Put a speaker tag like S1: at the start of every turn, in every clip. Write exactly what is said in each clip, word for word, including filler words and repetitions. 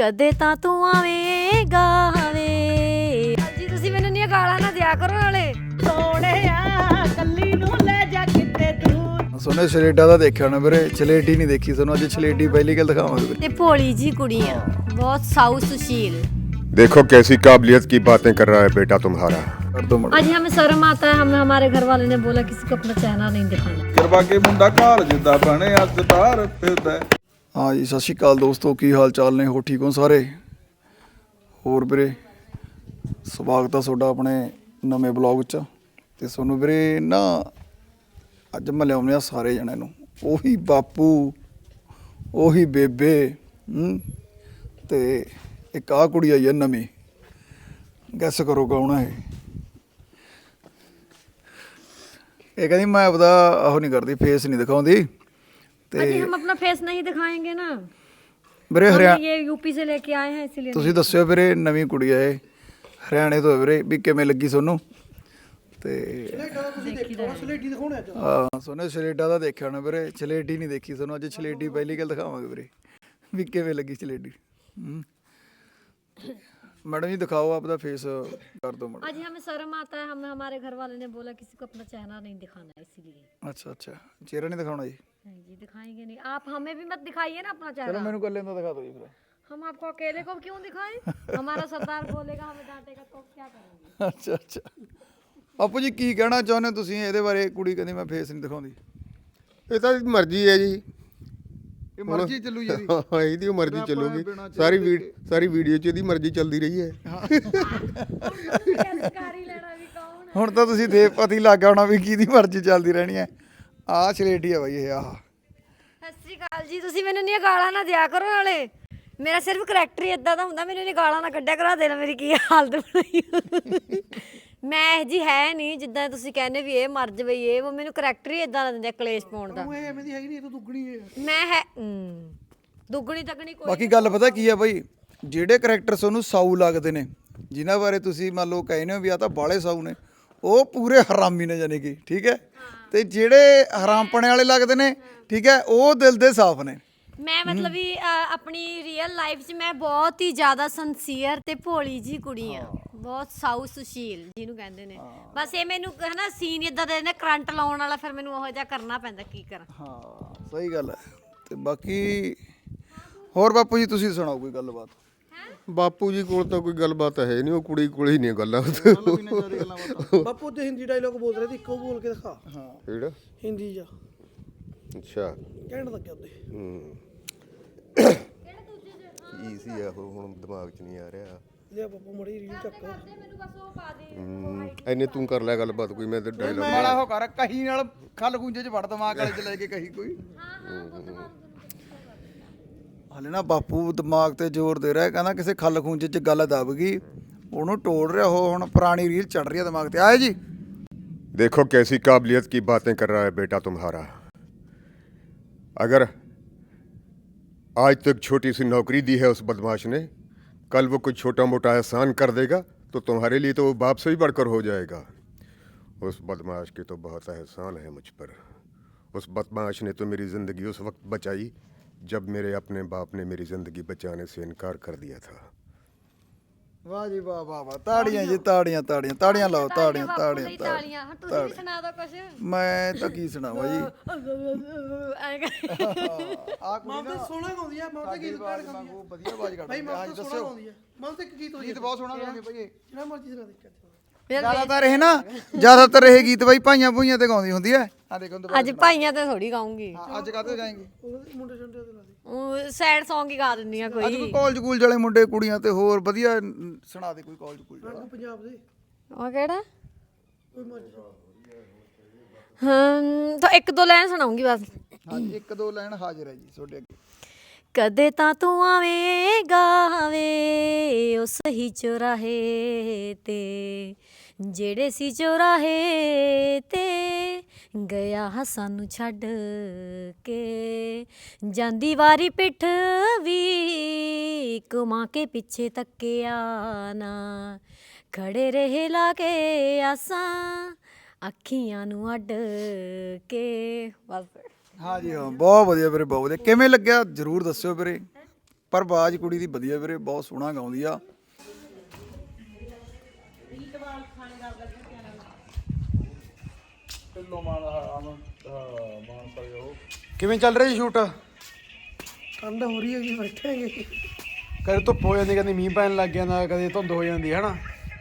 S1: ਕਦੇ ਤਾਂ ਤੂੰ ਆਵੇਂਗਾ ਵੇ। ਜੀ ਤੁਸੀਂ ਮੈਨੂੰ ਨੀ ਗਾਲਾਂ ਨਾ ਦਿਆ ਕਰੋ ਨਾਲੇ।
S2: ਸੋਹਣਿਆ ਕੱਲੀ ਨੂੰ ਲੈ ਜਾ ਕਿਤੇ ਦੂਰ।
S3: ਸੋਨੇ ਛਲੇਟਾ ਦਾ ਦੇਖਿਆ ਨਾ ਵੀਰੇ, ਛਲੇਟੀ ਨਹੀਂ ਦੇਖੀ ਤੁਹਾਨੂੰ ਅੱਜ ਛਲੇਟੀ ਪਹਿਲੀ ਗੱਲ ਦਿਖਾਵਾਂਗੇ।
S1: ਤੇ ਭੋਲੀ ਜੀ ਕੁੜੀਆਂ ਬਹੁਤ ਸਾਊ ਸੁशील।
S4: देखो कैसी काबिलियत की बातें कर रहा है बेटा तुम्हारा।
S3: ਕਰ ਦੋ ਮੜ
S1: आज हमें शर्म आता है, हमें हमारे घर वाले ने बोला किसी को अपना चेहरा नहीं दिखाना।
S5: ਕਰਵਾ ਕੇ ਮੁੰਡਾ ਘਾਲ ਜਿੱਦਾਂ ਬਣੇ ਅੱਜ ਤਾਰ ਫਿਰਦਾ।
S3: ਹਾਂ ਜੀ, ਸਤਿ ਸ਼੍ਰੀ ਅਕਾਲ ਦੋਸਤੋ, ਕੀ ਹਾਲ ਚਾਲ ਨੇ? ਹੋ ਠੀਕ ਹੋ ਸਾਰੇ? ਹੋਰ ਵੀਰੇ ਸਵਾਗਤ ਆ ਤੁਹਾਡਾ ਆਪਣੇ ਨਵੇਂ ਬਲੌਗ 'ਚ। ਤੇ ਤੁਹਾਨੂੰ ਵੀਰੇ ਨਾ ਅੱਜ ਮੈਂ ਲਿਆਉਂਦੇ ਆ ਸਾਰੇ ਜਣਿਆਂ ਨੂੰ, ਉਹੀ ਬਾਪੂ ਉਹੀ ਬੇਬੇ ਹੂੰ ਤੇ ਇੱਕ ਆਹ ਕੁੜੀ ਆਈ ਹੈ ਨਵੀਂ। ਗੈਸ ਕਰੋ ਕੌਣ ਹੈ ਇਹ? ਇਹ ਕਹਿੰਦੀ ਮੈਂ ਆਪਦਾ ਉਹ ਨਹੀਂ ਕਰਦੀ, ਫੇਸ ਨਹੀਂ ਦਿਖਾਉਂਦੀ।
S1: अजी हम अपना फेस नहीं दिखाएंगे ना,
S3: ਵੀਰੇ
S1: हम
S3: ਹਰਿਆ
S1: ये यूपी से लेके आए हैं इसीलिए।
S3: ਤੁਸੀਂ ਦੱਸਿਓ ਵੀਰੇ, ਨਵੀਂ ਕੁੜੀ ਹੈ ਇਹ, ਹਰਿਆਣੇ ਤੋਂ ਹੈ ਵੀਰੇ, ਵੀ ਕਿਵੇਂ ਲੱਗੀ ਤੁਹਾਨੂੰ? ਤੇ ਹਾਂ ਸੋਨੇ ਛਲੇਟਾ ਦਾ ਦੇਖਿਆ ਨਾ ਵੀਰੇ, ਛਲੇਟੀ ਨਹੀਂ ਦੇਖੀ ਤੁਹਾਨੂੰ ਅੱਜ ਛਲੇਟੀ ਪਹਿਲੀ ਗੱਲ ਦਿਖਾਵਾਂਗੇ ਵੀਰੇ, ਵੀ ਕਿਵੇਂ ਲੱਗੀ ਛਲੇਟੀ। ਹੂੰ मैडम जी दिखाओ आपका फेस कर दो मैडम।
S1: आज हमें शर्म आता है, हमें हमारे घर वाले ने बोला किसी को अपना चेहरा नहीं दिखाना है इसीलिए।
S3: अच्छा अच्छा, चेहरा नहीं दिखाना जी?
S1: नहीं जी दिखाएंगे नहीं, आप हमें भी मत दिखाइए ना अपना
S3: चलो
S1: चेहरा।
S3: मैंने कर लेना, दिखा दो जी फिर।
S1: हम आपको अकेले को क्यों दिखाएं? हमारा सरदार बोलेगा, हमें डांटेगा तो क्या करेंगे?
S3: अच्छा अच्छा, ਬਾਪੂ ਜੀ ਕੀ ਕਹਿਣਾ ਚਾਹੁੰਦੇ ਹੋ ਤੁਸੀਂ ਇਹਦੇ ਬਾਰੇ? ਕੁੜੀ ਕਹਿੰਦੀ ਮੈਂ ਫੇਸ ਨਹੀਂ ਦਿਖਾਉਂਦੀ।
S4: ਇਹ ਤਾਂ ਮਰਜ਼ੀ ਹੈ ਜੀ,
S3: ਇਹ ਮਰਜ਼ੀ ਚੱਲੂ ਜੀ।
S4: ਹਾਂ ਇਹਦੀ ਮਰਜ਼ੀ ਚੱਲੂਗੀ। ਸਾਰੀ ਵੀਡ ਸਾਰੀ ਵੀਡੀਓ 'ਚ ਇਹਦੀ ਮਰਜ਼ੀ ਚੱਲਦੀ ਰਹੀ ਹੈ।
S1: ਸਰਕਾਰੀ ਲੈਣਾ ਵੀ ਕੌਣ ਹੈ?
S3: ਹੁਣ ਤਾਂ ਤੁਸੀਂ ਦੇ ਪਤੀ ਲੱਗ ਗਿਆ ਹੋਣਾ ਵੀ ਕਿਹਦੀ ਮਰਜ਼ੀ ਚੱਲਦੀ ਰਹਿਣੀ ਹੈ। ਆਹ ਛਲੇਟੀ ਆ ਬਾਈ ਇਹ। ਆਹ
S1: ਸਤਿ ਸ਼੍ਰੀ ਅਕਾਲ ਜੀ, ਤੁਸੀਂ ਮੈਨੂੰ ਨੀ ਗਾਲਾਂ ਨਾ ਦਿਆ ਕਰੋ ਨਾਲੇ। ਮੇਰਾ ਸਿਰਫ ਕਰੈਕਟਰ ਹੀ ਇਦਾਂ ਦਾ ਹੁੰਦਾ, ਮੈਨੂੰ ਨੀ ਗਾਲਾਂ ਨਾ ਕੱਢਿਆ ਕਰਾ ਦੇਣਾ। ਮੇਰੀ ਕੀ ਹਾਲਤ ਬਣਾਈ ਮੈਂ ਇਹ ਜੀ ਹੈ ਨਹੀਂ ਜਿੱਦਾਂ ਤੁਸੀਂ ਕਹਿੰਦੇ ਵੀ ਇਹ ਮਰ ਜਵੇ ਇਹ ਉਹ, ਮੈਨੂੰ ਕਰੈਕਟਰ ਹੀ ਇਦਾਂ ਦਾ ਦਿੰਦੇ ਕਲੇਸ਼ ਪਾਉਣ ਦਾ।
S2: ਇਹ ਐਵੇਂ ਦੀ ਹੈਗੀ ਨਹੀਂ, ਤੂੰ ਦੁੱਗਣੀ ਹੈ।
S1: ਮੈਂ ਹੈ ਹਮ, ਦੁੱਗਣੀ ਤੱਕਣੀ ਕੋਈ
S3: ਬਾਕੀ ਗੱਲ ਪਤਾ ਕੀ ਆ ਬਾਈ, ਜਿਹੜੇ ਕਰੈਕਟਰ ਤੁਹਾਨੂੰ ਸਾਊ ਲੱਗਦੇ ਨੇ, ਜਿਨ੍ਹਾਂ ਬਾਰੇ ਤੁਸੀਂ ਮੰਨ ਲਓ ਕਹਿੰਦੇ ਹੋ ਵੀ ਆ ਤਾਂ ਬਾਲੇ ਸਾਊ ਨੇ, ਉਹ ਪੂਰੇ ਹਰਾਮੀ ਨੇ ਜਾਨੀ ਕਿ, ਠੀਕ ਹੈ। ਤੇ ਜਿਹੜੇ ਹਰਾਮਪਣੇ ਵਾਲੇ ਲੱਗਦੇ ਨੇ, ਠੀਕ ਹੈ, ਉਹ ਦਿਲ ਦੇ ਸਾਫ਼ ਨੇ।
S1: ਮੈਂ ਮਤਲਬ ਵੀ ਅ, ਆਪਣੀ ਰੀਅਲ ਲਾਈਫ 'ਚ ਮੈਂ ਬਹੁਤ ਹੀ ਜ਼ਿਆਦਾ ਸੰਸੀਅਰ ਤੇ ਭੋਲੀ ਜੀ ਕੁੜੀ ਆ, ਬਹੁਤ ਸਾਊ ਸੁਸ਼ੀਲ ਜਿਹਨੂੰ ਕਹਿੰਦੇ ਨੇ। ਬਸ ਇਹ ਮੈਨੂੰ ਹਨਾ ਸੀਨ ਇਦਾਂ ਦੇ ਨੇ ਕਰੰਟ ਲਾਉਣ ਵਾਲਾ, ਫਿਰ ਮੈਨੂੰ ਉਹੋ ਜਿਹਾ ਕਰਨਾ ਪੈਂਦਾ, ਕੀ ਕਰਾਂ।
S3: ਹਾਂ ਸਹੀ ਗੱਲ ਹੈ। ਤੇ ਬਾਕੀ ਹੋਰ ਬਾਪੂ ਜੀ ਤੁਸੀਂ ਸੁਣਾਓ ਕੋਈ ਗੱਲਬਾਤ?
S4: ਬਾਪੂ ਜੀ ਕੋਲ ਤਾਂ ਕੋਈ ਗੱਲਬਾਤ ਹੈ ਨਹੀਂ, ਉਹ ਕੁੜੀ ਕੋਲ ਹੀ ਨਹੀਂ ਗੱਲਾਂ।
S2: ਬਾਪੂ ਤੇ ਹਿੰਦੀ ਡਾਇਲੋਗ ਬੋਲ ਰਹੇ ਸੀ, ਇੱਕੋ ਬੋਲ ਕੇ ਦਿਖਾ।
S3: ਹਾਂ
S4: ਕਿਹੜਾ?
S2: ਹਿੰਦੀ ਜਾ
S4: ਅੱਛਾ
S2: ਕਹਿਣ ਲੱਗਿਆ ਉਹਦੇ।
S4: ਹੂੰ ਕੀ ਸੀ ਆਹੋ, ਹੁਣ ਦਿਮਾਗ 'ਚ ਨਹੀਂ ਆ ਰਿਹਾ।
S2: ਲਿਆ ਬਾਪੂ ਮੜੀ ਰੀਲ ਚੱਕ।
S1: ਮੈਨੂੰ ਬਸ ਉਹ ਪਾ ਦੇ।
S4: ਹੂੰ ਐਨੇ ਤੂੰ ਕਰ ਲੈ ਗੱਲਬਾਤ ਕੋਈ, ਮੈਂ ਤੇ ਡਾਇਲੌਗ
S3: ਮਾੜਾ ਹੋ ਕਰ ਕਹੀ ਨਾਲ ਖੱਲ ਗੁੰਜੇ 'ਚ ਵੜ ਦਿਮਾਗ ਵਾਲੇ 'ਚ ਲੈ ਕੇ ਕਹੀ ਕੋਈ। ਹਲੇ ਨਾ ਬਾਪੂ ਦਿਮਾਗ ਤੇ ਜ਼ੋਰ ਦੇ ਰਿਹਾ, ਕਹਿੰਦਾ ਕਿਸੇ ਖੱਲ ਖੂੰਜੇ 'ਚ ਗੱਲ ਦਬ ਗਈ, ਉਹਨੂੰ ਤੋੜ ਰਿਹਾ। ਉਹ ਹੁਣ ਪੁਰਾਣੀ ਰੀਲ ਚੜ ਰਹੀ ਹੈ ਦਿਮਾਗ ਤੇ। ਆਏ ਜੀ
S4: देखो कैसी काबिलियत की बातें कर रहा है बेटा तुम्हारा। अगर आज तक छोटी सी नौकरी दी है उस बदमाश ने, कल वो कुछ छोटा मोटा एहसान कर देगा तो तुम्हारे लिए तो वो बाप से भी बढ़कर हो जाएगा। उस बदमाश के तो बहुत एहसान है मुझ पर। उस बदमाश ने तो मेरी ज़िंदगी उस वक्त बचाई जब मेरे अपने बाप ने मेरी ज़िंदगी बचाने से इनकार कर दिया था।
S3: ਵਾਹ ਜੀ ਵਾਹ ਵਾਹ ਵਾਹ, ਤਾੜੀਆਂ ਜੀ, ਤਾੜੀਆਂ ਤਾੜੀਆਂ ਤਾੜੀਆਂ ਲਾਓ, ਤਾੜੀਆਂ ਤਾੜੀਆਂ
S1: ਤਾੜੀਆਂ।
S3: ਤਾੜੀਆਂ।
S1: ਹੁਣ ਤੁਸੀਂ ਵੀ ਸੁਣਾ ਦਿਓ ਕੁਛ।
S3: ਮੈਂ ਤਾਂ ਕੀ ਸੁਣਾਵਾਂ ਜੀ।
S1: ਐਂ ਕਰ-
S3: ਆ ਕੁੜੀ
S2: ਮਾਂ ਤੇ
S3: ਨਾ
S2: ਸੋਹਣਾ ਗਾਉਂਦੀ ਆ, ਮਾਂ ਤੇ
S3: ਸਾਡੀ
S2: ਗੀਤ
S3: ਆਵਾਜ਼
S2: ਗਾਉਂਦੀ ਆ।
S3: ਵਾਂਗੂ ਵਧੀਆ ਆਵਾਜ਼
S2: ਭਾਈ
S3: ਕੱਢਦੀ
S2: ਮਾਂ
S3: ਆ।
S2: ਤੇ
S3: ਹਾਂਜੀ
S2: ਸੋਹਣਾ
S3: ਦੱਸਿਓ,
S2: ਗਾਉਂਦੀ ਆ। ਮਾਂ ਤੇ ਇੱਕ ਗੀਤ ਹੋਈ
S3: ਗੀਤ ਬਹੁਤ ਸੋਹਣਾ ਗਾਉਂਦੇ ਭਾਈ ਇਹ।
S2: ਜਿਹੜਾ ਮਰਜ਼ੀ ਸੁਣਾ ਦੇ।
S1: ਫਿਰ
S3: ਜ਼ਿਆਦਾਤਰ ਇਹ ਨਾ ਜ਼ਿਆਦਾਤਰ ਇਹ ਗੀਤ ਬਾਈ ਭਾਈਆਂ ਭੂਈਆਂ ਤੇ ਗਾਉਂਦੀ ਹੁੰਦੀ ਹੈ। ਆ ਦੇਖੋ
S1: ਅੱਜ ਭਾਈਆਂ ਤੇ ਥੋੜੀ ਗਾਉਂਗੀ,
S3: ਅੱਜ ਕਾਹਤੇ ਗਾਏਂਗੇ?
S2: ਉਹਦੇ ਮੁੰਡੇ ਛੰਡੇ ਤੇ ਲਾ ਦੇ।
S1: ਉਹ ਸੈਡ Song ਹੀ ਗਾ ਦਿੰਦੀ ਆ
S3: ਅੱਜ
S1: ਕੋਈ।
S3: ਕੋਈ ਕਾਲਜ ਕੂਲਜ ਵਾਲੇ ਮੁੰਡੇ ਕੁੜੀਆਂ ਤੇ ਹੋਰ ਵਧੀਆ ਸੁਣਾ ਦੇ ਕੋਈ ਕਾਲਜ ਕੂਲਜ ਵਾਲਾ।
S2: ਰੰਗ ਪੰਜਾਬ ਦੇ
S1: ਉਹ ਕਿਹੜਾ?
S2: ਕੋਈ ਮਰਜ਼ੀ।
S1: ਹਾਂ ਤਾਂ ਇੱਕ ਦੋ ਲਾਈਨ ਸੁਣਾਉਂਗੀ ਬਸ।
S3: ਹਾਂਜੀ ਇੱਕ ਦੋ ਲਾਈਨ ਹਾਜ਼ਰ ਹੈ ਜੀ ਤੁਹਾਡੇ ਅੱਗੇ।
S1: ਕਦੇ ਤਾਂ ਤੂੰ ਆਵੇਂਗਾ ਵੇ ਉਹ ਸਹੀ ਚੁਰਾਹੇ ਤੇ, ਜਿਹੜੇ ਸੀ ਚੁਰਾਹੇ ਤੇ ਗਿਆ ਸਾਨੂੰ ਛੱਡ ਕੇ। ਜਾਂਦੀ ਵਾਰੀ ਪਿੱਠ ਵੀ ਘੁਮਾ ਕੇ ਪਿੱਛੇ ਤੱਕਿਆ ਨਾ, ਖੜੇ ਰਹੇ ਲਾ ਕੇ ਆਸਾਂ ਅੱਖੀਆਂ ਨੂੰ ਅੱਡ ਕੇ। ਬਸ
S3: ਹਾਂਜੀ ਹਾਂ ਬਹੁਤ ਵਧੀਆ ਵੀਰੇ, ਬਹੁਤ ਵਧੀਆ। ਕਿਵੇਂ ਲੱਗਿਆ ਜ਼ਰੂਰ ਦੱਸਿਓ ਵੀਰੇ। ਪਰ ਆਵਾਜ਼ ਕੁੜੀ ਦੀ ਵਧੀਆ ਵੀਰੇ, ਬਹੁਤ ਸੋਹਣਾ ਗਾਉਂਦੀ ਆ।
S5: ਢਿੱਲੋਂ ਮਾਨ ਆਨੰਦ ਮਾਨ ਸਹਿਯੋਗ
S6: ਕਿਵੇਂ ਚੱਲ ਰਿਹਾ ਜੀ ਸ਼ੂਟ?
S2: ਠੰਡ ਹੋ ਰਹੀ ਹੈ ਜੀ, ਬੈਠੇ ਹੈਗੇ।
S6: ਕਦੇ ਧੁੱਪ ਹੋ ਜਾਂਦੀ, ਕਦੇ ਮੀਂਹ ਪੈਣ ਲੱਗ ਜਾਂਦਾ, ਕਦੇ ਧੁੰਦ ਹੋ ਜਾਂਦੀ ਹੈ ਨਾ।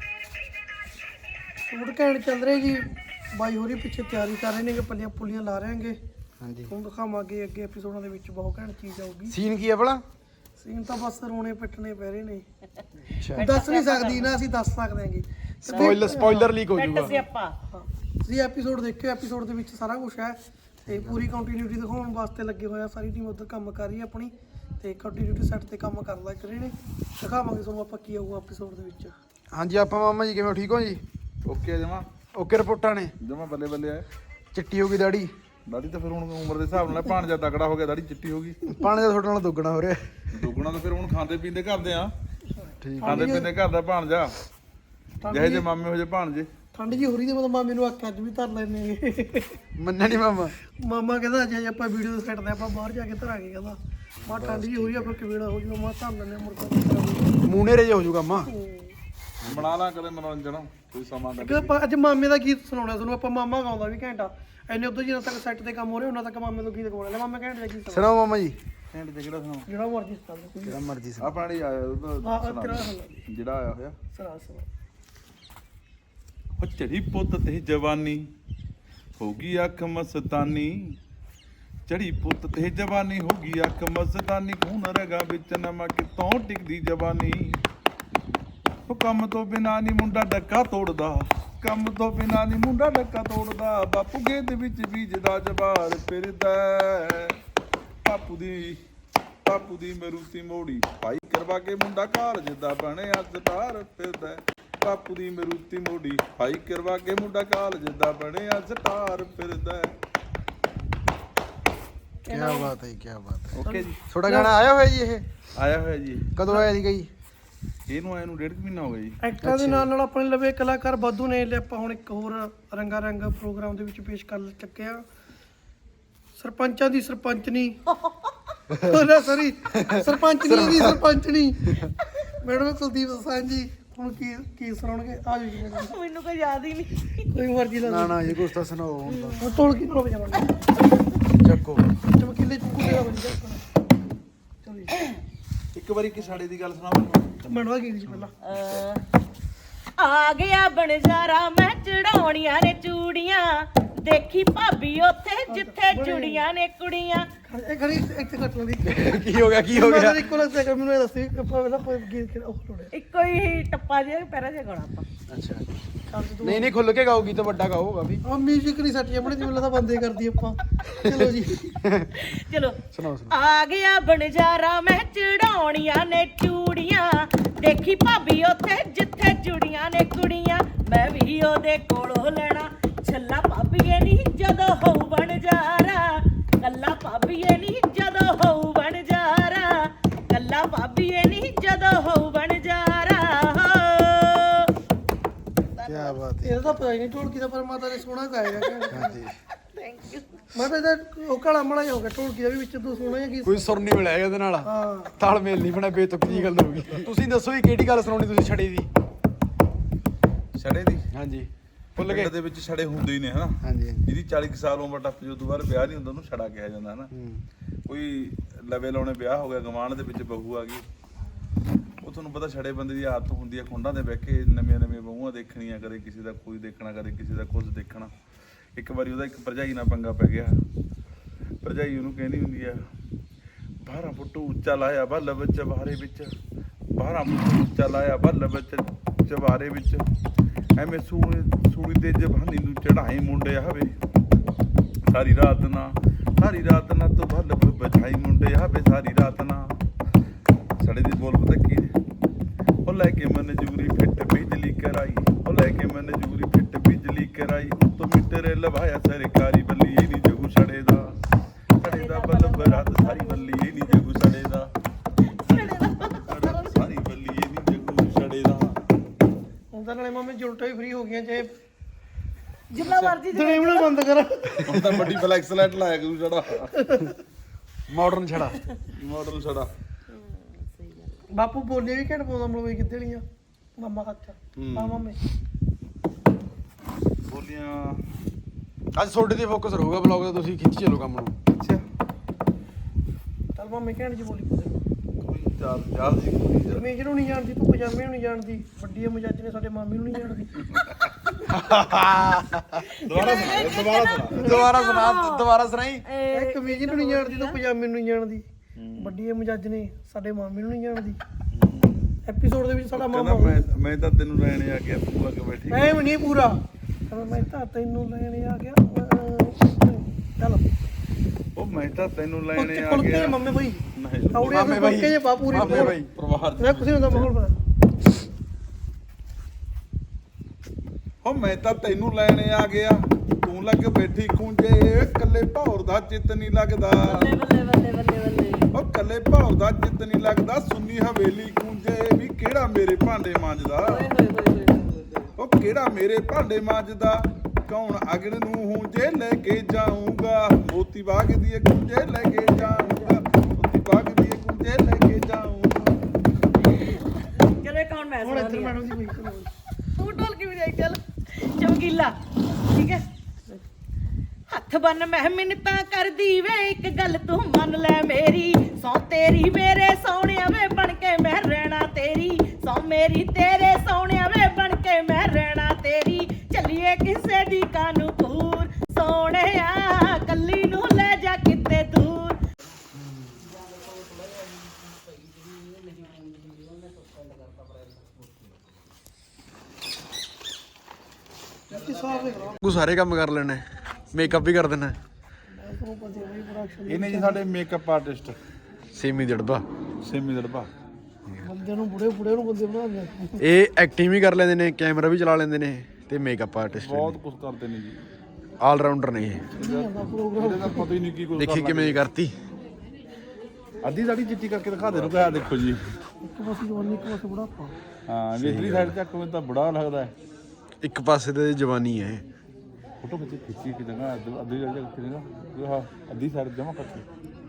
S2: ਸ਼ੂਟ ਘੈਂਟ ਚੱਲ ਰਿਹਾ ਜੀ। ਬਾਈ ਹੋਰੀ ਪਿੱਛੇ ਤਿਆਰੀ ਕਰ ਰਹੇ ਨੇ ਕਿ ਪੱਲੀਆਂ ਪੁੱਲੀਆਂ ਲਾ ਰਹੇ ਹੈਗੇ।
S6: ਹਾਂਜੀ।
S2: ਹੁਣ ਦਿਖਾਵਾਂਗੇ ਅੱਗੇ ਐਪੀਸੋਡਾਂ ਦੇ ਵਿੱਚ, ਬਹੁਤ ਘੈਂਟ ਚੀਜ਼ ਆਊਗੀ।
S6: ਸੀਨ ਕੀ ਹੈ ਭਲਾ?
S2: ਸੀਨ ਤਾਂ ਬਸ ਰੋਣੇ ਪਿੱਟਣੇ ਪੈ ਰਹੇ ਨੇ।
S6: ਅੱਛਾ,
S2: ਦੱਸ ਨਹੀਂ ਸਕਦੀ ਨਾ, ਅਸੀਂ ਦੱਸ ਸਕਦੇ ਹਾਂਗੇ।
S6: ਸਪੋਇਲਰ ਸਪੋਇਲਰ ਲੀਕ ਹੋ ਜਾਊਗਾ।
S2: ਹਾਂ, ਤੁਸੀਂ ਐਪੀਸੋਡ ਦੇਖਿਓ, ਐਪੀਸੋਡ ਦੇ ਵਿੱਚ ਸਾਰਾ ਕੁਝ ਹੈ ਤੇ ਪੂਰੀ ਕੰਟੀਨਿਊਟੀ ਦਿਖਾਉਣ ਵਾਸਤੇ ਲੱਗੇ ਹੋਇਆ। ਸਾਰੀ ਟੀਮ ਉੱਧਰ ਕੰਮ ਕਰ ਰਹੀ ਹੈ ਆਪਣੀ, ਤੇ ਕੰਟੀਨਿਊਟੀ ਸੈੱਟ ਤੇ ਕੰਮ ਕਰ ਲੱਗ ਰਹੇ ਨੇ। ਦਿਖਾਵਾਂਗੇ ਤੁਹਾਨੂੰ ਆਪਾਂ ਕੀ ਆਊਗਾ ਐਪੀਸੋਡ ਦੇ ਵਿੱਚ।
S6: ਹਾਂਜੀ, ਆਪਾਂ ਮਾਮਾ ਜੀ ਕਿਵੇਂ, ਠੀਕ ਹੋ ਜੀ?
S5: ਓਕੇ ਜਮਾ
S6: ਓਕੇ ਰਿਪੋਰਟਾਂ ਨੇ?
S5: ਜਮਾ ਬੱਲੇ ਬੱਲੇ ਆ।
S6: ਚਿੱਟੀ ਹੋ ਗਈ ਦਾੜੀ?
S5: ਦਾੜੀ ਤਾਂ ਫਿਰ ਹੁਣ ਉਮਰ ਦੇ ਹਿਸਾਬ ਨਾਲ ਭਾਣਜਾ ਤਕੜਾ ਹੋ ਗਿਆ, ਦਾੜੀ ਚਿੱਟੀ ਹੋ ਗਈ।
S6: ਪਾਣੀ ਦਾ ਤੁਹਾਡੇ ਨਾਲ ਦੁੱਗਣਾ ਹੋ ਰਿਹਾ।
S5: ਦੁੱਗਣਾ ਤਾਂ ਫਿਰ ਹੁਣ ਖਾਂਦੇ ਪੀਂਦੇ ਕਰਦੇ ਆ,
S6: ਠੀਕ।
S5: ਖਾਂਦੇ ਪੀਂਦੇ ਘਰ ਦਾ ਭਾਣਜਾ, ਜਿਹੇ ਜੇ ਮਾਮੇ ਹੋ ਜੇ ਭਾਣਜੇ।
S2: ਠੰਡ ਜੀ ਹੋ ਰਹੀ ਤੇ ਮਤਲਬ ਮਾਮੇ ਨੂੰ ਆਖਿਆ ਅੱਜ ਵੀ ਧਰ ਲੈਣੇ।
S6: ਮੰਨਿਆ ਨਹੀਂ ਮਾਮਾ?
S2: ਮਾਮਾ ਕਹਿੰਦਾ ਜੇ ਆਪਾਂ ਵੀਡੀਓ ਦੇ ਸੈੱਟ ਤੇ ਆਪਾਂ ਬਾਹਰ ਜਾ ਕੇ ਧਰਾਂਗੇ। ਕਹਿੰਦਾ ਮਾ ਠੰਡ ਜੀ ਹੋ ਰਹੀ ਆ, ਫਿਰ ਕਿਵੇੜਾ ਹੋ ਜੂਗਾ, ਮਾ ਧਰ ਲੈਣੇ ਮੁਰਗਾ।
S6: ਮੂਨੇਰੇ ਜੇ ਹੋ ਜਾਊਗਾ ਮਾਂ।
S5: ਬਣਾ ਲਾ ਕਦੇ ਮਨੋਰੰਜਨ, ਕੋਈ ਸਮਾਂ ਕੱਢ
S2: ਕਿ ਆਪਾਂ ਅੱਜ ਮਾਮੇ ਦਾ ਗੀਤ ਸੁਣਾਉਣਾ ਤੁਹਾਨੂੰ। ਆਪਾਂ ਮਾਮਾ ਗਾਉਂਦਾ ਵੀ ਘੰਟਾ ਐਨੇ ਉਦੋਂ ਜਿੰਨਾ ਤੱਕ ਸੈੱਟ ਤੇ ਕੰਮ ਹੋ ਰਿਹਾ ਉਹਨਾਂ ਤੱਕ ਮਾਮੇ ਨੂੰ ਗੀਤ ਗਾਉਣਾ। ਮਾਮਾ ਘੰਟੇ ਦਾ ਗੀਤ ਸੁਣਾ,
S6: ਸੁਣਾਓ ਮਾਮਾ ਜੀ।
S5: ਘੰਟੇ ਤੇ ਕਿਹੜਾ ਸੁਣਾ?
S2: ਜਿਹੜਾ ਮਰਜ਼ੀ ਸੁਣਾ ਲਓ।
S6: ਜਿਹੜਾ ਮਰਜ਼ੀ ਸੁਣਾਓ।
S5: ਆਪਣਾ ਨਹੀਂ ਆਇਆ ਉਹਦਾ
S2: ਹਾਂ
S5: ਸੁਣਾ
S2: ਤੇਰਾ
S5: ਦੇ।
S2: ਸੁਣਾ,
S5: ਜਿਹੜਾ ਆਇਆ ਹੋਇਆ।
S2: ਸੁਣਾ ਸੁਣਾ।
S5: ਉਹ ਚੜੀ ਪੁੱਤ ਤੇ ਜਵਾਨੀ ਹੋ ਗਈ ਅੱਖ ਮਸਤਾਨੀ, ਚੜੀ ਪੁੱਤ ਤੇ ਜਵਾਨੀ ਹੋ ਗਈ ਅੱਖ ਮਸਤਾਨੀ, ਖੂਨ ਰਗਾ ਵਿੱਚ ਨਮਾ ਕਿਤੋਂ ਟਿਕਦੀ ਜਵਾਨੀ। ਉਹ ਕੰਮ ਤੋਂ ਬਿਨਾ ਨੀ ਮੁੰਡਾ ਡੱਕਾ ਤੋੜਦਾ, ਕੰਮ ਤੋਂ ਬਿਨਾ ਨੀ ਮੁੰਡਾ ਡੱਕਾ ਤੋੜਦਾ, ਬਾਪੂ ਗੇਦ ਵਿੱਚ ਬੀਜਦਾ ਜਵਾਰ ਫਿਰਦਾ, ਬਾਪੂ ਦੀ ਬਾਪੂ ਦੀ ਮਰੂਤੀ ਮੋੜੀ ਭਾਈ ਕਰਵਾ ਕੇ ਮੁੰਡਾ ਕਾਲਜ ਦਾ ਬਣਿਆ ਸਟਾਰ ਫਿਰਦਾ, ਬਾਪੂ ਦੀ ਮਰੂਤੀ ਮੋੜੀ ਭਾਈ ਕਰਵਾ ਕੇ ਮੁੰਡਾ ਕਾਲਜ ਦਾ ਬਣਿਆ ਸਟਾਰ ਫਿਰਦਾ।
S6: ਕੀ ਬਾਤ ਹੈ, ਕੀ ਬਾਤ ਹੈ।
S5: ਓਕੇ ਜੀ,
S6: ਤੁਹਾਡਾ ਗਾਣਾ ਆਇਆ ਹੋਇਆ ਜੀ? ਇਹ
S5: ਆਇਆ ਹੋਇਆ ਜੀ।
S6: ਕਦੋਂ ਆਇਆ ਸੀਗਾ ਜੀ?
S5: ਇਹਨੂੰ ਆਇਆ ਨੂੰ ਡੇਢ ਕੁ ਮਹੀਨਾ ਹੋ ਗਿਆ ਜੀ।
S2: ਐਕਟਰਾਂ ਦੇ ਨਾਲ ਨਾਲ ਆਪਣੇ ਲਵੇ ਕਲਾਕਾਰ ਵਾਧੂ ਨੇ। ਲੈ ਆਪਾਂ ਹੁਣ ਇੱਕ ਹੋਰ ਰੰਗਾ ਰੰਗ ਪ੍ਰੋਗਰਾਮ ਦੇ ਵਿੱਚ ਪੇਸ਼ ਕਰ ਚੱਕਿਆ। ਸਰਪੰਚਾਂ ਦੀ ਸਰਪੰਚਨੀ ਨਾ ਸੌਰੀ ਸਰਪੰਚਨੀ ਦੀ ਸਰਪੰਚਨੀ ਮੈਡਮ ਕੁਲਦੀਪ ਸਾਂਝ ਜੀ ਹੁਣ ਕੀ ਕੀ ਸੁਣਾਉਣਗੇ? ਆ ਜਾਓ ਜੀ ਮੈਡਮ।
S7: ਮੈਨੂੰ ਕੋਈ ਯਾਦ ਹੀ ਨਹੀਂ।
S2: ਕੋਈ ਮਰਜ਼ੀ ਲਾ
S6: ਨਾ ਨਾ ਜੀ, ਕੁਛ ਤਾਂ ਸੁਣਾਓ ਹੁਣ ਤਾਂ।
S2: ਹੁਣ ਢੋਲ ਕੀ ਨਾਲ ਵਜਾਵਾਂਗੇ?
S6: ਚੱਕੋ।
S2: ਚਮਕੀਲੇ ਚੁੱਕੂ ਦਾ ਵਜਾ। ਚਲੋ ਜੀ,
S5: ਇੱਕ ਵਾਰੀ ਕਿ ਸਾਡੇ ਦੀ ਗੱਲ ਸੁਣਾਵਾਂ।
S2: ਮੈਡਮ ਆ ਗਈ ਜੀ ਪਹਿਲਾਂ।
S7: ਅਹ, ਆ ਗਿਆ ਬਣਜਾਰਾ ਮੈਂ ਚੜਾਉਣੀਆਂ ਨੇ ਚੂੜੀਆਂ, ਦੇਖੀ ਭਾਬੀ ਉੱਥੇ ਜਿੱਥੇ ਚੂੜੀਆਂ ਨੇ ਕੁੜੀਆਂ।
S2: ਇਹ ਖੜੀ ਇੱਥੇ ਕੱਟ ਲਓ।
S6: ਕੀ ਹੋ ਗਿਆ, ਕੀ ਹੋ ਗਿਆ?
S2: ਇੱਕੋ ਲੱਗ ਰਿਹਾ ਮੈਨੂੰ ਇਹ ਦੱਸੀ ਪਹਿਲਾਂ ਗੀਤ ਕਿਹੜਾ ਉਹ ਲੋੜਿਆ।
S7: ਇੱਕੋ ਹੀ ਟੱਪਾ ਜਿਹਾ ਪੈਰਾ ਜਿਹਾ ਗਾਉਣਾ ਆਪਾਂ।
S6: ਅੱਛਾ,
S2: ਚੱਲ ਤੂੰ
S6: ਨਹੀਂ ਨਹੀਂ, ਖੁੱਲ ਕੇ ਗਾਓਗੀ ਤਾਂ ਵੱਡਾ ਗਾਓਗਾ ਵੀ।
S2: ਆ ਮਿਊਜ਼ਿਕ ਨਹੀਂ ਸੱਟੀ ਆਪਣੇ ਜਿਵੇਂ ਤਾਂ ਬੰਦੇ ਕਰਦੀ ਆਪਾਂ। ਚਲੋ ਜੀ,
S7: ਚਲੋ।
S6: ਸੁਣਾਓ ਸੁਣਾਓ।
S7: ਆ ਗਿਆ ਬਣਜਾਰਾ ਮੈਂ ਚੜਾਉਣੀਆਂ ਨੇ ਚੂੜੀਆਂ, ਦੇਖੀ ਭਾਬੀ ਉੱਥੇ ਜਿੱਥੇ ਚੂੜੀਆਂ ਨੇ ਕੁੜੀਆਂ, ਮੈਂ ਵੀ ਉਹਦੇ ਕੋਲੋਂ ਲੈਣਾ ਛੱਲਾ ਭਾਬੀਏ ਨੀ ਜਦੋਂ ਹੋਊ ਬਣਜਾਰਾ, ਕੱਲਾ ਭਾਬੀਏ ਨੀ ਜਦੋਂ ਹੋਊ ਬਣਜਾਰਾ, ਕੱਲਾ ਭਾਬੀਏ ਨੀ ਜਦੋਂ ਹੋਊ ਬਣਜਾਰਾ।
S6: ਕੀ ਬਾਤ ਹੈ।
S2: ਇਹਦਾ ਤਾਂ ਪਤਾ ਹੀ ਨਹੀਂ ਢੋਲਕੀ ਦਾ, ਪਰ ਮਾਤਾ ਨੇ ਸੋਹਣਾ ਗਾਇਆ।
S6: ਹਾਂਜੀ,
S2: ਥੈਂਕ ਯੂ। ਮੈਂ ਤਾਂ ਇਹਦਾ ਉਹ ਕਾਲਾ ਮੜਾ ਹੋ ਗਿਆ ਢੋਲਕੀ ਦਾ ਵੀ, ਵਿੱਚ ਤੂੰ ਸੋਹਣਾ ਜਿਹਾ ਗੀਤ।
S6: ਕੋਈ ਸੁਰ ਨਹੀਂ ਮਿਲਿਆ ਇਹਦੇ ਨਾਲ।
S2: ਹਾਂ,
S6: ਤਾਲਮੇਲ ਨਹੀਂ ਬਣਿਆ, ਬੇਤੁਕੀ ਜੀ ਗੱਲ ਹੋ ਗਈ। ਤੁਸੀਂ ਦੱਸੋ ਜੀ, ਕਿਹੜੀ ਗੱਲ ਸੁਣਾਉਣੀ ਤੁਸੀਂ ਛੜੇ ਦੀ?
S5: ਛੜੇ ਦੀ
S6: ਹਾਂਜੀ, ਭੁੱਲ ਗਏ?
S5: ਪਿੰਡ ਦੇ ਵਿੱਚ ਛੜੇ ਹੁੰਦੇ ਹੀ ਨੇ ਹਨਾ।
S6: ਹਾਂਜੀ ਹਾਂਜੀ।
S5: ਜਿਹਦੀ ਚਾਲੀ ਕੁ ਸਾਲ ਉਮਰ ਟੱਪ ਜੋ ਤੋਂ ਬਾਅਦ ਵਿਆਹ ਨਹੀਂ ਹੁੰਦਾ ਉਹਨੂੰ ਛੜਾ ਕਿਹਾ ਜਾਂਦਾ ਹਨਾ।
S6: ਹੂੰ।
S5: ਕੋਈ ਲਵੇ ਲਾਉਣੇ ਵਿਆਹ ਹੋ ਗਿਆ, ਗਵਾਂਢ ਦੇ ਵਿੱਚ ਬਹੂ ਆ ਗਈ, ਉਹ ਤੁਹਾਨੂੰ ਪਤਾ ਛੜੇ ਬੰਦੇ ਦੀ ਆਦਤ ਹੁੰਦੀ ਹੈ ਖੁੰਡਾਂ ਦੇ ਬਹਿ ਕੇ ਨਵੀਆਂ ਨਵੀਆਂ ਬਹੂਆਂ ਦੇਖਣੀਆਂ, ਕਦੇ ਕਿਸੇ ਦਾ ਕੋਈ ਦੇਖਣਾ, ਕਦੇ ਕਿਸੇ ਦਾ ਕੁਝ ਦੇਖਣਾ। ਇੱਕ ਵਾਰੀ ਉਹਦਾ ਇੱਕ ਭਰਜਾਈ ਨਾਲ ਪੰਗਾ ਪੈ ਗਿਆ। ਭਰਜਾਈ ਉਹਨੂੰ ਕਹਿੰਦੀ ਹੁੰਦੀ ਆ, ਬਾਰਾਂ ਫੁੱਟ ਉੱਚਾ ਲਾਇਆ ਬੱਲ ਵਿੱਚ ਚਵਾਰੇ ਵਿੱਚ, ਬਾਰਾਂ ਫੁੱਟ ਉੱਚਾ ਲਾਇਆ ਬੱਲ ਵਿੱਚ ਚਵਾਰੇ ਵਿੱਚ, ਐਵੇਂ ਸੂਣੀ ਸੂਣੀ ਤੇ ਜਵਾਨੀ ਨੂੰ ਚੜਾਏ ਮੁੰਡੇ ਆਵੇ, ਸਾਰੀ ਰਾਤ ਨਾ ਸਾਰੀ ਰਾਤ ਨਾ ਤੂੰ ਬੱਲ ਬਚਾਈ ਮੁੰਡੇ ਆਵੇ, ਸਾਰੀ ਰਾਤ ਨਾ। ਸਾਡੇ ਦੀ ਬੋਲ ਪਤਾ ਕੀ ਨੇ? ਉਹ ਲੈ ਕੇ ਮਨਜੂਰੀ ਫਿੱਟ ਬਿਜਲੀ ਕਰਾਈ, ਉਹ ਲੈ ਕੇ ਮਨਜੂਰੀ ਫਿੱਟ ਬਿਜਲੀ ਕਰਾਈ, ਤੂੰ ਮੀਟਰ ਲਵਾਇਆ ਸਰਕਾਰੀ ਬੱਲੀ ਇਹ ਨਹੀਂ ਜਗੂ ਛੜੇ ਦਾ, ਛੜੇ ਦਾ ਬਲਬ ਰਾਤ ਸਾਰੀ ਬੱਲੀ ਇਹ ਨਹੀਂ ਜਗੂ ਛੜੇ ਦਾ, ਸਾਰੀ ਬੱਲੀ ਇਹ ਨਹੀਂ ਜਗੂ ਛੜੇ ਦਾ।
S2: ਹੁਣ ਤਾਂ ਨਾਲੇ ਮਾਮੇ ਜੁਲਟਾਂ ਵੀ ਫ੍ਰੀ ਹੋ ਗਈਆਂ, ਚਾਹੇ
S7: ਜਿੰਨਾ ਮਰਜ਼ੀ
S2: ਡਰਾਈਵਣਾ ਬੰਦ ਕਰ।
S5: ਹੁਣ ਤਾਂ ਵੱਡੀ ਫਲੈਕਸ ਲਾਈਟ ਲਾਇਆ ਕਰੂ ਛੜਾ,
S6: ਮਾਡਰਨ ਛੜਾ।
S5: ਮਾਡਲ ਛੜਾ।
S2: ਬਾਪੂ ਬੋਲੀਆਂ ਵੀ ਘੈਂਟ ਪਾਉਂਦਾ ਮਲਵਈ ਕਿੱਦੇ ਵਾਲੀਆਂ ਮਾਮਾ ਹੱਥ ਆ ਮਾਮੇ
S5: ਬੋਲੀਆਂ
S6: ਅੱਜ ਤੁਹਾਡੇ ਤੇ ਫੋਕਸ ਰਹੂਗਾ ਬਲੌਗ ਦਾ, ਤੁਸੀਂ ਖਿੱਚੀ ਚੱਲੋ ਕੰਮ ਨੂੰ।
S5: ਅੱਛਾ
S2: ਚੱਲ ਮਾਮੇ ਘੈਂਟ ਜੀ ਬੋਲੀ ਪਾਉਂਦੇ
S5: ਕੋਈ ਚਾਰ ਚਾਰ ਦੀ ਕੋਈ ਯਾਰ।
S2: ਕਮੀਜ਼ ਨੂੰ ਨਹੀਂ ਜਾਣਦੀ ਤੂੰ ਪਜਾਮੇ ਨੂੰ ਨਹੀਂ ਜਾਣਦੀ ਵੱਡੀ ਮਜਾਜ ਨੇ ਸਾਡੇ ਮਾਮੀ ਨੂੰ ਨਹੀਂ ਜਾਣਦੀ
S5: ਦੁਬਾਰਾ ਸੁਣਾ ਦੁਬਾਰਾ ਸੁਣਾ
S6: ਦੁਬਾਰਾ ਸੁਣਾ ਦੁਬਾਰਾ ਸੁਣਾਈ।
S2: ਇਹ ਕਮੀਜ਼ ਨੂੰ ਨਹੀਂ ਜਾਣਦੀ ਤੂੰ ਪਜਾਮੇ ਨੂੰ ਨਹੀਂ ਜਾਣਦੀ ਵੱਡੀ ਮਜਾਜ ਨੇ ਸਾਡੇ ਮਾਮੀ ਨੂੰ ਨਹੀਂ ਜਾਣਦੀ ਐਪੀਸੋਡ ਦੇ ਵਿੱਚ ਸਾਡਾ
S5: ਕਹਿੰਦਾ
S2: ਮਾਮਾ
S5: ਮੈਂ ਮੈਂ ਤਾਂ ਤੈਨੂੰ ਲੈਣ ਆ ਗਿਆ ਤੂੰ ਆ ਕੇ ਬੈਠੀ
S2: ਐ ਨਹੀਂ ਪੂਰਾ ਕਹਿੰਦਾ ਮੈਂ ਤਾਂ ਤੈਨੂੰ ਲੈਣ ਆ ਗਿਆ ਚੱਲ
S5: ਉਹ ਮੈਂ ਤਾਂ ਤੈਨੂੰ ਲੈਣ
S2: ਕੁਲਕੇ
S5: ਆ
S2: ਕੁਲਕੇ
S5: ਗਿਆ
S2: ਮੰਮੇ ਬਈ
S5: ਨਹੀਂ
S2: ਕੌੜੇ
S6: ਮਾਮੇ ਬਾਈ,
S2: ਕੁਲਕੇ ਜੇ ਬਾਪੂਰੀ
S6: ਮਾਮੇ ਬਾਈ।
S5: ਪਰਿਵਾਰ
S2: ਮੈਂ ਕੁਛ ਨਹੀਂ ਹੁੰਦਾ ਮਾਹੌਲ ਬਣਾ
S5: ਉਹ ਮੈਂ ਤਾਂ ਤੈਨੂੰ ਲੈਣ ਆ ਗਿਆ ਤੂੰ ਲੱਗ ਬੈਠੀ ਖੂੰਜੇ ਕੱਲੇ ਭੌਰ ਦਾ ਚਿੱਤ ਨਹੀਂ ਲੱਗਦਾ
S7: ਬੱਲੇ ਬੱਲੇ ਬੱਲੇ ਬੱਲੇ ਬੱਲੇ
S5: ਉਹ ਕੱਲੇ ਭੌਰ ਦਾ ਚਿੱਤ ਨਹੀਂ ਲੱਗਦਾ ਸੁੰਨੀ ਹਵੇਲੀ ਖੂੰਜੇ ਵੀ ਕਿਹੜਾ ਮੇਰੇ ਭਾਂਡੇ ਮਾਂਜਦਾ
S7: ਓਏ ਹੋਏ ਹੋਏ ਹੋਏ ਹੋਏ।
S5: ਉਹ ਕਿਹੜਾ ਮੇਰੇ ਭਾਂਡੇ ਮਾਂਜਦਾ ਕੌਣ ਅਗਨ ਨੂੰ ਹੂੰਜੇ ਲੈ ਕੇ ਜਾਊਂਗਾ ਮੋਤੀ ਬਾਗ ਦੀ ਕੁੰਜੇ ਲੈ ਕੇ ਜਾਊਂਗਾ ਮੋਤੀ ਬਾਗ ਦੀ ਕੁੰਜੇ ਲੈ ਕੇ ਜਾਊਂਗਾ
S7: ਚਲੋ ਇਹ ਕੌਣ ਮੈਂ
S2: ਹੁਣ ਇੱਧਰ
S7: ਸੁਣਾਉਂਦੀ ਆ
S2: ਮੈਡਮ ਦੀ ਕੋਈ
S7: ਤੂੰ ਢੋਲ ਕੇ ਵਜਾਈ ਚੱਲ ਚਮਕੀਲਾ ਠੀਕ ਹੈ ਹੱਥ ਬੰਨ ਮੈਂ ਮਿੰਨਤਾਂ ਕਰਦੀ ਵੇ ਇੱਕ ਗੱਲ ਤੂੰ ਮੰਨ ਲੈ ਮੇਰੀ ਸੌ ਤੇਰੀ ਮੇਰੇ ਸੋਹਣਿਆ ਵੇ ਬਣ ਕੇ ਮੈਂ ਰਹਿਣਾ ਤੇਰੀ ਸੌ ਮੇਰੀ ਤੇਰੇ ਸੋਹਣਿਆ ਵੇ ਬਣ ਕੇ ਮੈਂ ਰਹਿਣਾ ਤੇਰੀ ਚੱਲੀਏ ਕਿਸੇ ਦੀ ਕਾਨੂੰਪੂਰ ਸੋਹਣਿਆ ਕੱਲੀ ਨੂੰ ਲੈ ਜਾ ਕਿਤੇ ਦੂਰ
S2: ਇੱਥੇ ਸਾਫ ਦੇਖ ਲਾ
S6: ਤੂੰ ਸਾਰੇ ਕੰਮ ਕਰ ਲੈਣੇ, ਮੇਕਅਪ ਵੀ ਕਰ ਦੇਣਾ।
S2: ਤੁਹਾਨੂੰ ਪਤਾ ਹੈ ਪ੍ਰੋਡਕਸ਼ਨ
S5: ਇਹਨੇ ਜੀ ਸਾਡੇ ਮੇਕਅਪ ਆਰਟਿਸਟ
S6: ਸੇਮੀ ਜੜਬਾ
S5: ਸੇਮੀ ਦੜਬਾ
S2: ਬੰਦੇ ਨੂੰ ਬੁੜੇ ਬੁੜੇ ਨੂੰ ਬੰਦੇ ਬਣਾਉਂਦੇ
S6: ਇਹ ਐਕਟਿੰਗ ਵੀ ਕਰ ਲੈਂਦੇ ਨੇ, ਕੈਮਰਾ ਵੀ ਚਲਾ ਲੈਂਦੇ ਨੇ ਤੇ ਮੇਕਅਪ ਆਰਟਿਸਟ
S5: ਬਹੁਤ ਕੁਝ ਕਰਦੇ ਨੇ ਜੀ
S6: ਆਲ ਰਾਊਂਡਰ ਨੇ ਇਹ।
S5: ਇਹਦੇ ਦਾ ਪਤਾ ਹੀ ਨਹੀਂ ਕੀ ਕੁਝ
S6: ਦੇਖੀ ਕਿਵੇਂ ਕਰਤੀ।
S5: ਅੱਧੀ ਸਾਡੀ ਚਿੱਟੀ ਕਰਕੇ ਦਿਖਾ ਦੇ ਨੂੰ ਕਿਹਾ ਦੇਖੋ ਜੀ
S2: ਇੱਕ ਪਾਸੇ ਜਵਾਨੀ ਇੱਕ ਪਾਸੇ ਬੁਢਾਪਾ
S5: ਹਾਂ ਇਧਰਲੀ ਸਾਈਡ ਤੱਕ ਮੈਨੂੰ ਤਾਂ ਬੜਾ ਲੱਗਦਾ ਹੈ
S6: ਇੱਕ ਪਾਸੇ ਤੇ ਜਵਾਨੀ ਹੈ।
S5: ਫੋਟੋ ਖਿੱਚੀ ਖਿੱਚੀ ਕਿ ਜਗ੍ਹਾ ਅੱਧੀ ਜਗ੍ਹਾ ਕਿੱਥੇ ਜਗ੍ਹਾ ਇਹ ਆਹ ਅੱਧੀ ਸਾਈਡ ਜਮਾ ਕਰਕੇ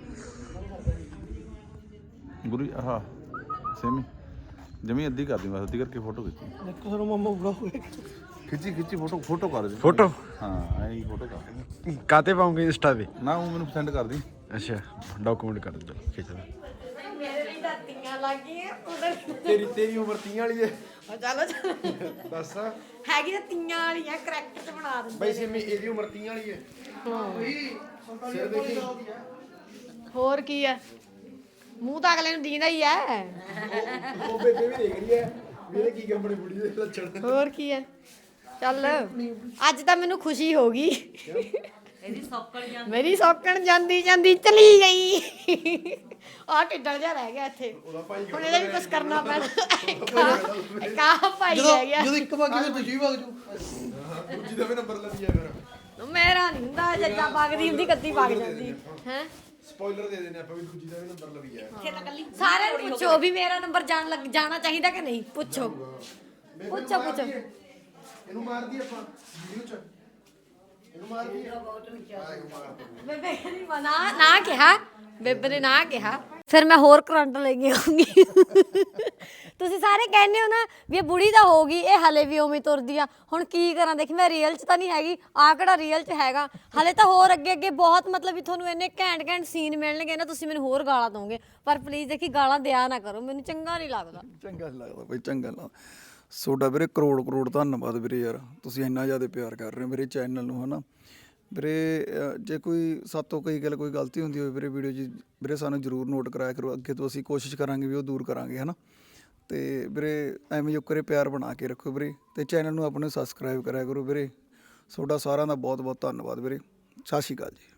S5: ਗੁਰੂ ਆਹ ਸੇਮੀ ਜਮੀ ਅੱਧੀ ਕਰ ਦੀ ਬਸ ਅੱਧੀ ਕਰਕੇ ਫੋਟੋ ਖਿੱਚੀ
S2: ਇੱਕ ਸਾਨੂੰ ਮਾਮਾ ਬੁੜਾ ਹੋ ਗਿਆ
S5: ਖਿੱਚੀ ਖਿੱਚੀ ਫੋਟੋ ਫੋਟੋ ਕਰ ਦੇ
S6: ਫੋਟੋ
S5: ਹਾਂ ਐਂ ਫੋਟੋ ਕਰ
S6: ਕਾਤੇ ਪਾਉਂਗੇ ਇੰਸਟਾ ਤੇ?
S5: ਨਾ ਉਹ ਮੈਨੂੰ ਸੈਂਡ ਕਰ ਦੀ
S6: ਅੱਛਾ ਡਾਕੂਮੈਂਟ ਕਰ ਦੇ ਚਲੋ ਖਿੱਚ ਲੈ।
S1: ਮੇਰੇ ਲਈ ਤਾਂ ਤੀਆਂ ਲੱਗ ਗਈਆਂ ਉਧਰ
S6: ਤੇਰੀ ਤੇਰੀ ਉਮਰ ਤੀਹ ਵਾਲੀ ਹੈ।
S1: ਚਲੋ ਚਲੋ
S6: ਦੱਸ
S1: ਹੈਗੀ ਤਾਂ ਤੀਆਂ ਵਾਲੀਆਂ ਕਰੈਕਟਰ ਤੇ ਬਣਾ ਦਿੰਦੇ
S6: ਬਈ ਸੇਮੀ ਇਹਦੀ ਉਮਰ ਤੀਹ ਵਾਲੀ ਹੈ। ਸਿਰ ਦੇਖੀ
S1: ਹੋਰ ਕੀ ਆ ਮੂੰਹ ਤਾਂ ਅਗਲੇ ਨੂੰ ਦੀਂਦਾ ਹੀ ਐ
S6: ਉਹ ਬੇਬੇ ਵੀ ਦੇਖ ਰਹੀ ਹੈ ਵੀ ਇਹਦੇ ਕੀ ਕੰਮ ਬਣੇ ਬੁੜੀ ਦੇ ਲੱਛਣ।
S1: ਹੋਰ ਕੀ ਐ ਚੱਲ ਅੱਜ ਤਾਂ ਮੈਨੂੰ ਖੁਸ਼ੀ ਹੋ ਗਈ
S7: ਇਹਦੀ ਸੌਕਲ ਜਾਂ
S1: ਮੇਰੀ ਸੌਕਣ ਜਾਂਦੀ ਜਾਂਦੀ ਚਲੀ ਗਈ ਆ ਢਿੱਡਲ ਜਿਹਾ ਰਹਿ ਗਿਆ ਇੱਥੇ ਹੁਣ ਇਹਦਾ ਵੀ ਕੁਝ ਕਰਨਾ ਪੈਣਾ ਕਾ ਭਾਈ ਰਹਿ ਗਿਆ
S2: ਜਦੋਂ ਇੱਕ ਵਾਰ ਕਿਵੇਂ ਤੁਸੀਂ ਵਗ ਜੂ
S6: ਦੂਜੀ ਦਾ ਵੀ ਨੰਬਰ ਲੱਗੀ ਹੈ ਫਿਰ।
S1: ਮੇਰਾ ਨਹੀਂ ਹੁੰਦਾ ਜੱਜਾ ਵਗਦੀ ਹੁੰਦੀ ਕੱਦੀ ਵਗ ਜਾਂਦੀ ਹੈ
S6: ਸਪੋਇਲਰ ਦੇ ਦੇਣੇ ਆਪਾਂ ਵੀ ਦੂਜੀ ਦਾ ਵੀ ਨੰਬਰ ਲੱਗੀ ਹੈ।
S1: ਸਾਰਿਆਂ ਨੂੰ ਪੁੱਛੋ ਵੀ ਮੇਰਾ ਨੰਬਰ ਜਾਣ ਲੱਗ ਜਾਣਾ ਚਾਹੀਦਾ ਕਿ ਨਹੀਂ ਪੁੱਛੋ ਪੁੱਛੋ ਪੁੱਛੋ
S6: ਇਹਨੂੰ ਮਾਰਦੀ ਆਪਾਂ ਵੀਡੀਓ ਚ ਇਹਨੂੰ ਮਾਰਦੀ
S1: ਬੇਬੇ ਕਹਿੰਦੀ ਮਨਾ ਨਾ ਕਿਹਾ ਬੇਬੇ ਨੇ ਨਾ ਕਿਹਾ ਫਿਰ ਮੈਂ ਹੋਰ ਕਰੰਟ ਲੈ ਕੇ ਆਉਂਗੀ ਤੁਸੀਂ ਸਾਰੇ ਕਹਿੰਦੇ ਹੋ ਨਾ ਵੀ ਇਹ ਬੁੜੀ ਤਾਂ ਹੋ ਗਈ ਇਹ ਹਲੇ ਵੀ ਉਵੇਂ ਤੁਰਦੀ ਆ ਹੁਣ ਕੀ ਕਰਾਂ ਦੇਖ ਮੈਂ ਰੀਅਲ 'ਚ ਤਾਂ ਨਹੀਂ ਹੈਗੀ ਆ ਕਿਹੜਾ ਰੀਅਲ 'ਚ ਹੈਗਾ ਹਲੇ ਤਾਂ ਹੋਰ ਅੱਗੇ ਅੱਗੇ ਬਹੁਤ ਮਤਲਬ ਵੀ ਤੁਹਾਨੂੰ ਇੰਨੇ ਘੈਂਟ ਘੈਂਟ ਸੀਨ ਮਿਲਣਗੇ ਨਾ ਤੁਸੀਂ ਮੈਨੂੰ ਹੋਰ ਗਾਲਾਂ ਦੋਗੇ ਪਰ ਪਲੀਜ਼ ਦੇਖੀ ਗਾਲਾਂ ਦਿਆ ਨਾ ਕਰੋ ਮੈਨੂੰ ਚੰਗਾ ਨਹੀਂ ਲੱਗਦਾ
S3: ਚੰਗਾ ਨੀ ਲੱਗਦਾ ਬਈ ਚੰਗਾ ਲੱਗਦਾ ਤੁਹਾਡਾ ਵੀਰੇ ਕਰੋੜ ਕਰੋੜ ਧੰਨਵਾਦ ਵੀਰੇ ਯਾਰ ਤੁਸੀਂ ਇੰਨਾ ਜ਼ਿਆਦਾ ਪਿਆਰ ਕਰ ਰਹੇ ਹੋ ਮੇਰੇ ਚੈਨਲ ਨੂੰ ਹਨਾ ਵੀਰੇ ਅਹ ਜੇ ਕੋਈ ਸਾਤੋਂ ਕਈ ਗੱਲ ਕੋਈ ਗਲਤੀ ਹੁੰਦੀ ਹੋਵੇ ਵੀਰੇ ਵੀਡੀਓ 'ਚ ਵੀਰੇ ਸਾਨੂੰ ਜ਼ਰੂਰ ਨੋਟ ਕਰਾਇਆ ਕਰੋ ਅੱਗੇ ਤੋਂ ਅਸੀਂ ਕੋਸ਼ਿਸ਼ ਕਰਾਂਗੇ ਵੀ ਉਹ ਦੂਰ ਕਰਾਂਗੇ ਹਨਾ ਤੇ ਵੀਰੇ ਐਵੇਂ ਜੋ ਕਰੇ ਪਿਆਰ ਬਣਾ ਕੇ ਰੱਖੋ ਵੀਰੇ ਤੇ ਚੈਨਲ ਨੂੰ ਆਪਣੇ ਸਬਸਕ੍ਰਾਈਬ ਕਰਿਆ ਕਰੋ ਵੀਰੇ ਤੁਹਾਡਾ ਸਾਰਿਆਂ ਦਾ ਬਹੁਤ ਬਹੁਤ ਧੰਨਵਾਦ ਵੀਰੇ ਸਤਿ ਸ਼੍ਰੀ ਅਕਾਲ ਜੀ।